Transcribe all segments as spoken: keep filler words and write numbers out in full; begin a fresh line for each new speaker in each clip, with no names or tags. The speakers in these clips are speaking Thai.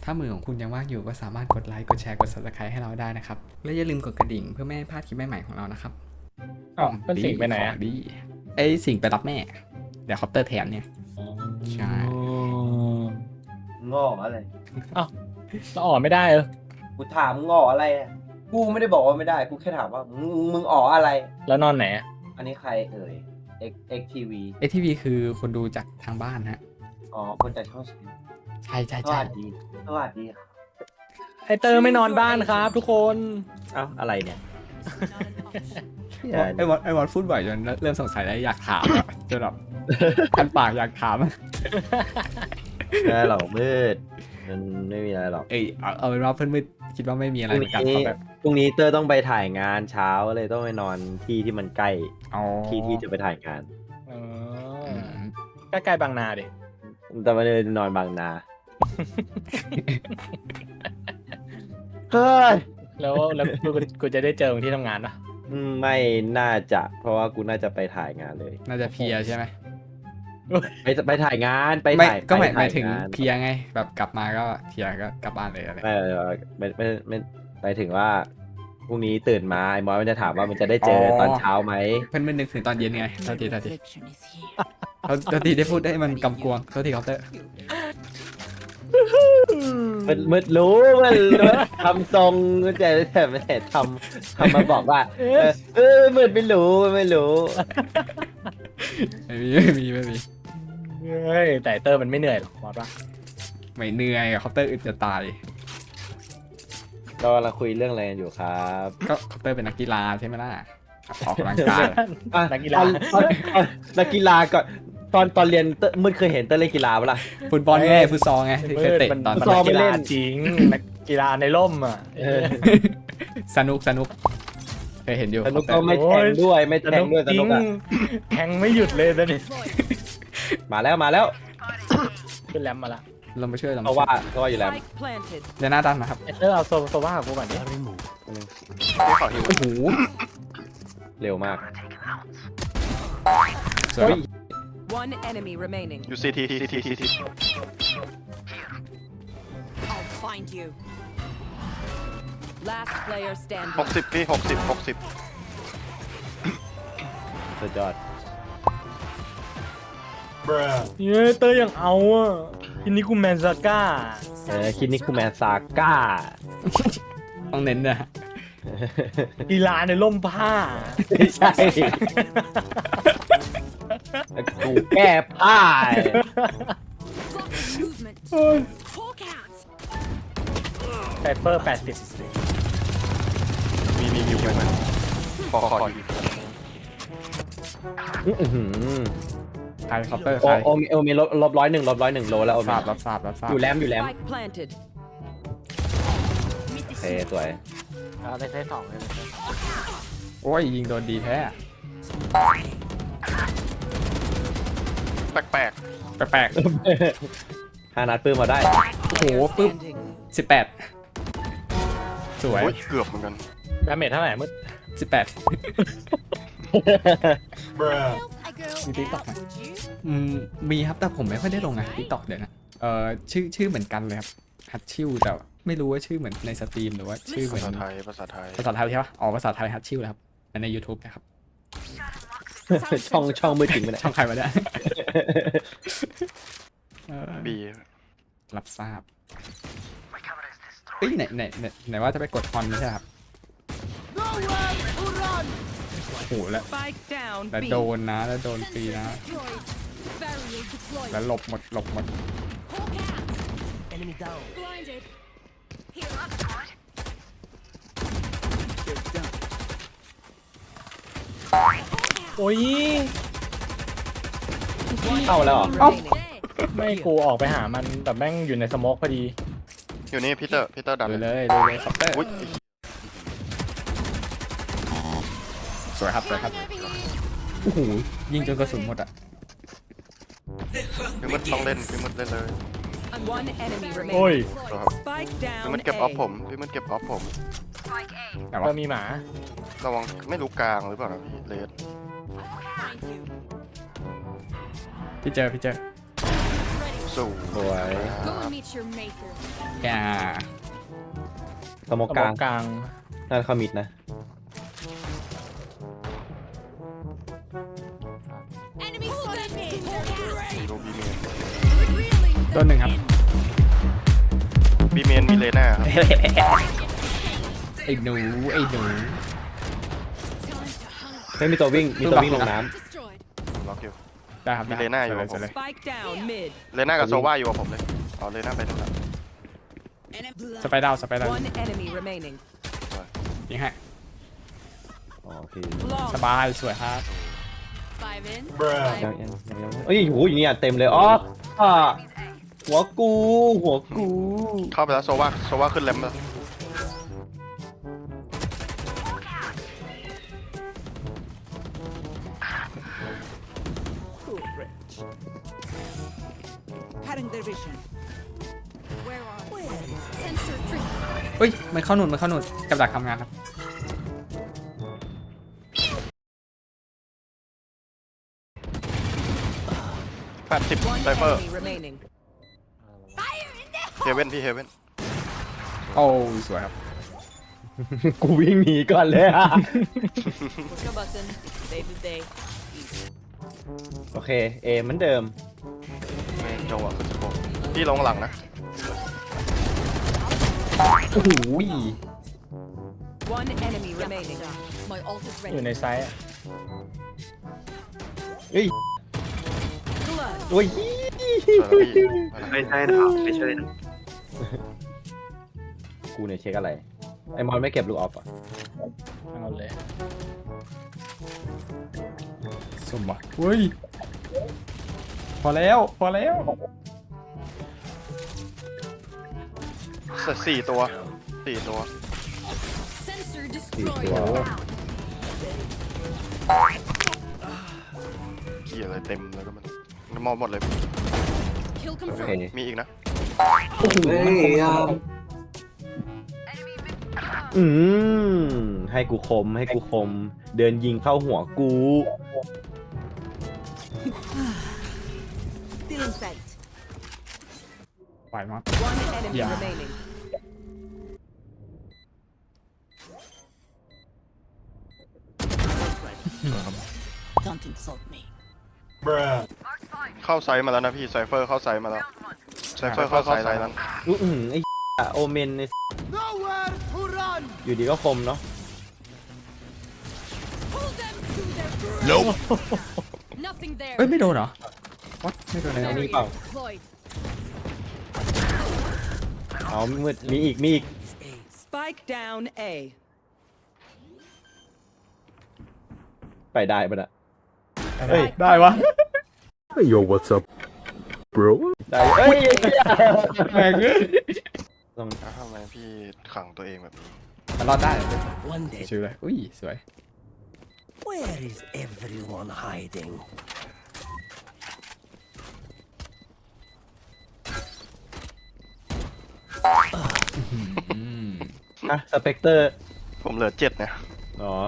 ถ้ามือของคุณยังว่างอยู่ก็สามารถกดไลค์กดแชร์กด ซับสไครบ์ ให้เราได้นะครับและอย่าลืมกดกระดิ่งเพื่อไม่ให้พลาดคลิปใหม่ๆของเรานะครับ
อ๋อเป็นสิ่งไปไหน
ข
อะ
องดีไอ้สิ่งไปรับแม่เดี๋ยวคอปเตอร์แถมเนี่ยใช่
งออะไร
เราออกไม่ได้เออ
กูถามงออะไรอะกูไม่ได้บอกว่าไม่ได้ กูแค่ถามว่ามึงมึงอ๋ออะไร
แล้วนอนไหนอะ
อันนี้ใครเอ่ย X X ที วี
เอทีวีคือคนดูจากทางบ้านฮะ
อ๋อ คนจากช่องสิบ
ใช่ใช่
ส
ใช่
วัสดี สวัสดีครับ
ไอเตอร์ไม่นอนบ้านครับทุกคน
เอ้าอะไรเนี่ย
ไอ้วอดไอ้วอดพูดบ่อยจนเริ่มสงสัยแล้วอยากถามอะจนแบบคันปากอยากถาม
ไม่ได้หรอกมืด มันไม่มีอะไรหรอก
เอ้ยเอาเอาเป็นว่าเพื่อนมืดคิดว่าไม่มีอะไร
พ
เห
รุ่
มือนกัน
ง
เพ
นี้
ราะแบบ
พรุ่งนี้เตอร์ต้องไปถ่ายงานเช้าเลยต้องไปนอนที่ที่มันใกล้
อ๋อ
ที่ที่จะไปถ่ายงาน
เอ
อื
อ
ม
ใกล้ๆบางนาดิ
แต่ไม่ได้นอนบางนา เฮ้ย
แล้วแล้วกูกูจะได้เจอมึงที่ทำงานปะ
อืมไม่น่าจะ เพราะว่ากูน่าจะไปถ่ายงานเลย
น่าจะเพลียใช่ไหม
ไปไปถ่ายงานไป
ไม่
ถ่าย
ก็หมาย
ไป
หมายถึง
ถ่งน
เพลียไงแบบกลับมาก็เพลียก็กลับบ้านเลยอะไร
ไม่ไม่ไม่ไม่ไปถึงว่าพรุ่งนี้ตื่นมาไอ้มอสมันจะถามว่ามันจะได้เจอตอนเช้าไหม
เพื่อนไม่นึกถึงตอนเย็นไงเท่าทีเท่าทีเท่าเท่าทีได้พูดได้มันกำกวงเท่าทีเคาน์เตอร์
มันมันรู้มันรู้ทำทรงแต่แต่ไม่แต่ทำทำมาบอกว่า เออเออมืดไม่รู้ไม่รู้
ไม่มีไม่มีไม่มี
เฮ้ยแต่ไอ้เตอร์มันไม่เหนื่อยหรอกมอสปะ
ไม่เหนื่อยเคาน์เตอร์อึดจะตาย
เรากำลังคุยเรื่องอะไรกันอยู่ครับ
ก็เคาน์เตอร์เป็นนักกีฬาใช่ไหมล่ะออกกำลังกาย
อ่ะ
นักกีฬา
ตอนตอนตอนนักกีฬาก่อนตอนตอนเรียนเต้มืดเคยเห็นเต้เล่นกีฬาปะล่ะ
ฟุตบอลไงฟุตซอลไงที่เคยเตะ
มัน
ตอน
มัน
ซ้
นั
อม
ก
ไม่
กี
เล่
ฬาน จริงนักกีฬาในร่มอ่ะ
เออ
สนุกสนุกเคยเห็นอยู่
สนุก
เคา
ก็
น์เตอร์
ไม่แทงด้วยไม่แทงด้วยส
จริ
นุ
ง
กอะ
แทงไม่หยุดเลยตอนนี้
มาแล้วมาแล้ว
ขึ้นแรมมาละ
เรามาช่วยเรา
เพราะว่าเพราะว่าอยู่แล้ว
Spike planted.
เดี๋ยวหน้าดันนะครับ
ไอเตอร์เอาโซโซว่ากับกูก่อนดิ
โอ้โห
เร็วมาก
สวย
One enemy remaining.
อยู่ซีทีซีทีซีที
I'll find you. Last player
ห
standing.
กสิบพี่หกสิบหกสิบ
สุดยอด
เย้เตอร์ยังเอาอ่ะทีนี้กูแมนซาก้า
เออคิดนี่คือแมนซาก้า
ต้องเน้นนะ
กีฬาในร่มผ้า
ไม่ใช่กูแก้ผ้า
Movement. Hawk out.
ไซเฟอร์แปดสิบ
มีมีอยู่มันขอขออยู่
อื้อหือ
ใครเคาน์เตอร์
โอ
ใคร
โอมีโอมีลบลบร้อยหนึ่งลบร้อยหนึ่งโลแล้วโอ
ท
มี
ราบรับทราบรับทราบ
อยู่แรมอยู่แรม
Spike planted.
โอเคสวย
เอาได้ใช้สองเลย
โอ้ยยิงโดนดีแท้
แปลก
แปลก
ห้านัดปื้มมาได้
ๆโอ้โหปึ๊บ
Standing.
สิบแปดส
ๆ
วย
โอ้ยเกือบเหมือนกัน
ดาเมจเท่าไหร่มืด
สิบแปด
มี
มี TikTok ไหม อืมมีครับแต่ผมไม่ค่อยได้ลงนะทิกตอกเดี๋ยวนะเอ่อชื่อชื่อเหมือนกันเลยครับฮัตชิวแต่ไม่รู้ว่าชื่อเหมือนในสตรีมหรือว่าชื่อเหมื
ภา
อน
ษาไทยภาษาไทย
ภาษาไทยใช่ปะอ๋อภาษาไทยฮัตชิวนะครับและใน YouTube นะครับ
ช่องช่องมือจริงไปไหน
ช่องใครมาเนี่ยเอ่อ
บี
รับทราบเอ้ยไหนไหนไหนไหนว่าจะไปกดคอนไม่ใช่ครับโอ้โหแล้ว
Spike down.
แล้ว
B.
โดนนะแล้วโดนฟรีนะ
Barrier deployed.
แล้วหลบหมดหลบหมด
Hawk out. Enemy down. Blinded. Here up.
โอ้ย
เข้าแล้วเหรอ
Remaining.
ไม่กูออกไปหามันแต่แม่งอยู่ในสโมกพอดี
อยู่นี่พีเตอร์พีเตอร์ดัน
ดู
เล
เลย ยดูเลยคัปเตอร์
อุ้ย
สวยครับสวยครับโอ้โหยิงจนกระสุนหมดอ่ะ
พี่มืดต้องเล่นพี่มืดเล่นเลย
One enemy
โอ้ย
remaining.
ครับ
Spike
พี่
down.
มืดเก็บออฟ
A.
ผมพี่มืดเก็บออฟผม
แต่
เอ
ว่า
อมีหมา
ระวังไม่รู้กลางหรือเปล่านะพี่เลส
Find you.
พี่เจอพี่เจอ
สู่
สวย
Go and meet your maker.
แก
สโม
ส
ก
ม
ก
อ
ลาง ง
กลาง
นั่นเข้ามิดนะ
Enemy spotted me.
มีโรบีเมน
Reeling
ตัวหนึ่งครับ
บีเมนมีเลน่าครับ
ไอ้หนูไอ้หนู
time to hunt.
ไม่มีตัววิ่ง มีตัววิ่งลงน้
Destroyed.
ล็อกอยู่
ได้ครับ
มีเลน่าอยู่
สว
กับผม
สว
Spike down mid.
เลน่ากับโซว่าอยู่กับผมเลยเอาเลน่าไปทั้งนั้น
สไปดาวสไปดาว
One enemy remaining.
ยิงให้
ำอ๋อโอเค
ส
Long.
บายสวยครับ
Five in.
ยัง
Five.
ยังยังยังเอ้ยโหอย่างนี้อ่ะเต็มเลย อ๋ออ่ะหัวกู หัวกู
เข้าไปแล้วโซว่าโซว่าขึ้นแรมแล้ว
Cutting their vision.
Where are we? Sensor trip.
เฮ้ยมันเข้าหนุนมันเข้าหนุนกับดักทำงานครับ
แปดสิบ
One
ไซเฟอร์
enemy remaining.
เฮเว่นพี่เฮเว่น
โอ้สวยครับ
กูวิ่งหนีก่อนเลยอ่ะ
Push a button. Save the day.
โอเค เอเหมือนเดิม
เมนโจอ่ะคือสโคปพี่ลงหลังนะ
โอ้โห
One enemy remaining.
My ult is
อยู่
ready.
ในไซส์อะ
เฮ้ย
Blood.
โอ้ย
สวยแล้วพี่
ไม่ใช่นะครับไม่ใช่นะ
กูเนี่ยเช็คอะไร ไอมอนไม่เก็บลูกออฟอ่ะ
เอาเลย
สมบัติเฮ้ยพอแล้วพอแล้ว
สี่ตัวสี่ตัว
Sensor
สี่
destroyed.
ตัว
เกี่ยอะไรเต็มเลยก็มันมันมองหมดเลย
Kill
โอเค
confirmed.
มีอีกนะ
เฮ้ยอ่ะ
อืมให้กูคมให้กูคม เดินยิงเข้าหัวกู
Still in sight.
ไหวมาก
One enemy
Yeah.
remaining.
Don't insult me.
เข้าไซส์มาแล้วนะพี่ไซเฟอร์เข้าไซส์มาแล้วไซเฟอร์เข้าไซส์แล้วนะ
อื้อหือไอ้โอเมนในอยู่ดีก็คมเนาะ
Pull them to their grave. Nothing there.
เอ้ยไม่โดนเหรอวัดไม่โดนเลย
อันนี้
Barrier
เปล่า
deployed.
เอามืดมีอีกมีอีก
Spike down A.
ไปได้ปะน่ะ
เฮ้ยได้วะ
Yo, what's up, bro?
ได้เอ้ย
แม่งเอ้ย
ต้อง
อ้าวทำไมพี่ขังตัวเองแบบนี้
มันรอดได้
One day
ชิวเลยอุ้ยสวย
where is everyone hiding
อืม
อ่ะสเปกเตอร์
ผมเหลือเจ็ดเนี่ย
อ๋อ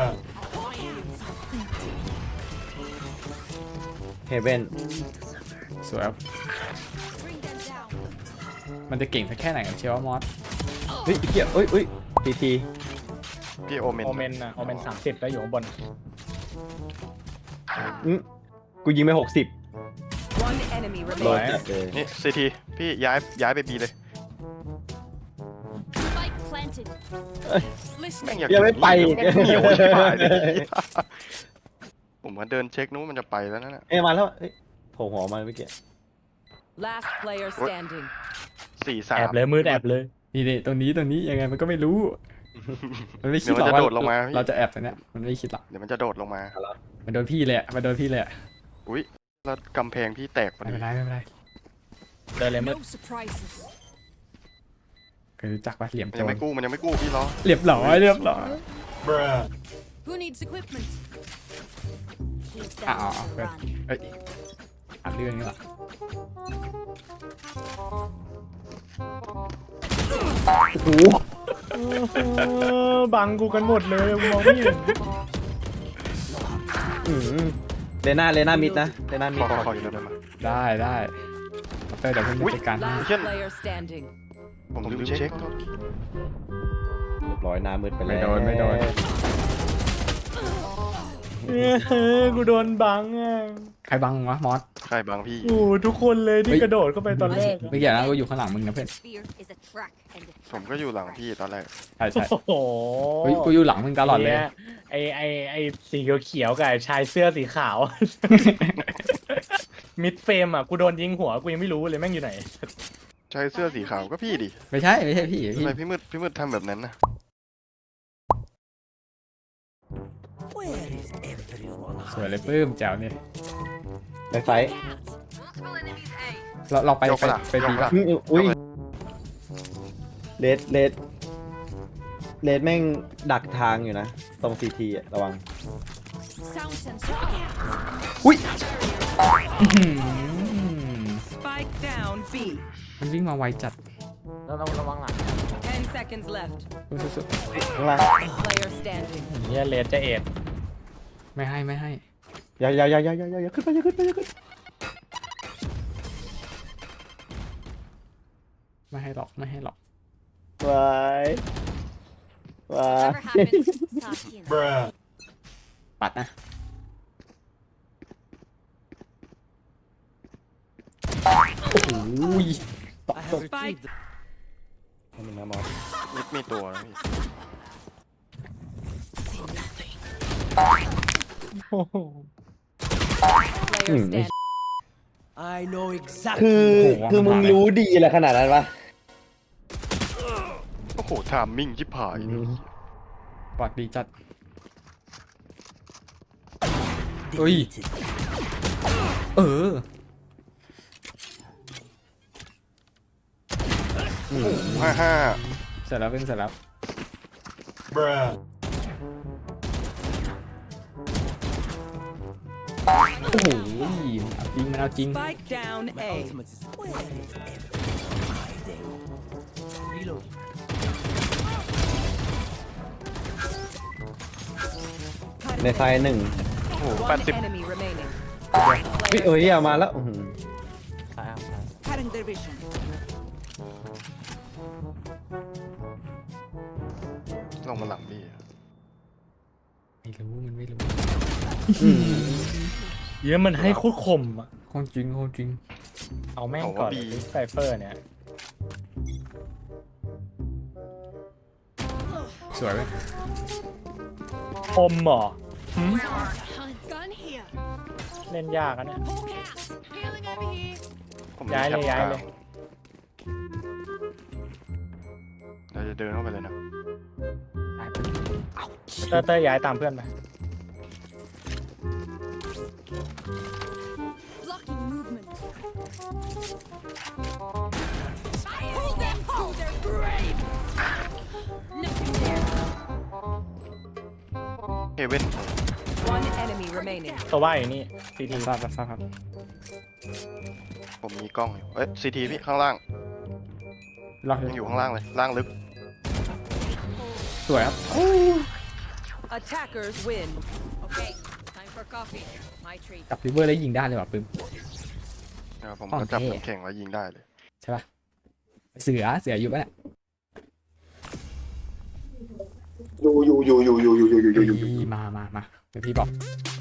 เฮเว่น
สวยครับ
Bring them down.
มันจะเก่งสักแค่ไหนกันเชียวว่ามอส
เฮ้ยเกี่ยเอ้ยเอ้ยทีที
พี่โอเมน
โอเมนอะโอเมนสามสิบแล้วอยู่ข้างบน
อืมกูยิงไปหกสิบ
One enemy
โดน
remaining.
จัดเลย
นี่ซีทีพี่ย้ายย้ายไปบีเลย
Spike planted.
แม่ง
Listening.
อยาก
ยังไม่ไป
แม่งเหนียวชิบหายเลยผมมาเดินเช็คนู้นมันจะไปแล้วนั่นแหละ
เอ้ยมาแล้วเอ้ยโผล่หัวมาเมื่อกี้
Last player standing.
สี่สาม
แอบเลยมืดแอบเลย
นี่นี่ตรงนี้ตรงนี้ยังไงมันก็ไม่รู้ มันไม่คิดหรอก
เดี๋ยวมันจะ
ว่า
โดดลงมาพี่
เราจะแอบตรงเนี้ยมันไม่คิดหรอก
เดี๋ยวมันจะโดดลงมา
มันโดนพี่เลยอะมันโดนพี่เลยอะ
อุ้ยแล้วกำแพงพี่แตกพอ
ไม่
ดี
เป็นไรไม่เป็นไร
เดินเลยมืด
No surprises.
เคยรู้จักว่าเหลี่ยม
มัน
โจ
ยัง
ร
ไม่กู้มันยังไม่กู้พี่ล้อ
เรียบร้อยเรียบร้อย
Who needs equipment? Keep
อ่ะ
them
อ๋อ
on
เพื่อน
run.
เอ้ยอัดเรื่องนี้ว่ะ โอ้โห
เออบังกูกันหมดเลยกูมองไม่เห็น
อืมเลน่าเลน่ามิดนะเลน่ามิ
ข
ด
อขอขออยู่แล้วได้ไหม
ได้ได้เตอร์เดี๋ยวผมจัดการให้
Last player standing.
ผมลืมเช็ค
เรียบร้อยหน้ามืดไป
ไม่
แล้ว
โดนไม่โดน
เออกูโดนบังอ่ะ
ใครบังวะมอส
ใครบางพี่
โอ้ทุกคนเลยที่
เฮ้ย
กระโดดเข้าไปตอนแรกอะ
ไม่เกี่ยวนะกูอยู่ข้างหลังมึงนะเพื่อน
Fear is a track and a
ผมก็อยู่หลังพี่ตอนแรก
ใช่ใช่
โอ้โห
เฮ้ยกูอยู่หลังมึงตลอดเลย
ไอไอไอสีเขียวๆกับไอ้ชายเสื้อสีขาว มิดเฟรมอ่ะกูโดนยิงหัวกูยังไม่รู้เลยแม่งอยู่ไหน
ชายเสื้อสีขาวก็พี่ดิ
ไม่ใช่ไม่ใช่พี่
ทำ
พี่
ไมพี่มืดพี่มืดทำแบบนั้นนะ
Where is everyone
สวยเลย
hiding?
ปื้มแจ๋วเนี่ย
ในไฟ
เราเราไป
ยก
ไป
ปะล่ะ
ไป
ย
ดี
กปะล่ะ
อืมอุ้ยเลดเลดเลดแม่งดักทางอยู่นะ ตรงซีทีอะระวัง
sound sensor.
อุ้ยอื้อหือ
Spike down B.
มันวิ่งมาไวจัด
เราต้องระวังหลัง
Ten seconds left.
สุด
ข้างล่าง
Player standing.
เฮียเลดจะเอ็ด
ๆไม่ให้ไม่ให้
อย่าอย่าอย่าอย่าอย่าอย่าขึ้นไปอย่าขึ้นไปอย่าขึ้น
ไม่ให้หรอกไม่ให้หรอก
ไว้ไว้
Whatever happens, Sakian.
ปัดนะโอ้โห
Spike
ให้มันนะมอส
มิดมีตัวนะพี่
โอ้โห
player standing.
I know exactly.
คือคือมึงรู้ดีแหละขนาดนั้นปะ
โอ้โหทามมิ่งชิบหาย
ปัดดีจัดเอ้ย เออ
ห้าห้า
เสร็จแล้วเพิ่งเสร็จแล้วโอ้โหเอาจริงมันเอาจริง
Spike down A.
Ultimate is where is everyone hiding? Reload.
ในไฟหนึ่ง
โอ้โหแปด
One
สิบ
enemy remaining.
เฮ้ยเอ้ยอย่ามาแล้วอื้อหือ
Cutting their vision.
ลงมาหลังพี่
ไม่รู้มันไม่รู้
เฮียมันให้โคตรคมอ่ะ
ของจริงของจริง
เอาแม่งก่อนไซเฟอร์เนี่ย
สวยไหม
คมเหรอ
Gun here.
เล่นยากอะเนี่ย
Poke out. Healing over here.
ผม
ย้ายเลย
แคป
ย้ายเลย
เราจะเดินเข้าไปเลยนะ
เตอร์เตอร์ย้ายตามเพื่อนไป
Blocking movement. Pull them to their grave. Nothing there.
เฮเว่น
One enemy remaining.
ตัวว่าอยู่นี่ซีที
ทราบทราบครับ
ผมมีกล้องอยู่เอ้ยซีทีพี่ข้างล่าง
ล็อก
ยังอยู่ข้างล่างเลยล่างลึก
สวยครับ
Attackers win.
Okay, time for coffee. My treat.
จับริเวอร์แล้วยิงได้เลยว่ะปึ้ม
นะครับผม
ของ
ก็จับ
เท่
น้ำแข็งแล้วยิงได้เลย
ใช่ป่ะ เสือเสืออยู่ปะเนี่ย
อยู่อยู่อยู่อยู่อยู่อยู่อยู่อยู่อยู่อยู่
มามามาเดี๋ยวพี่บอก
Got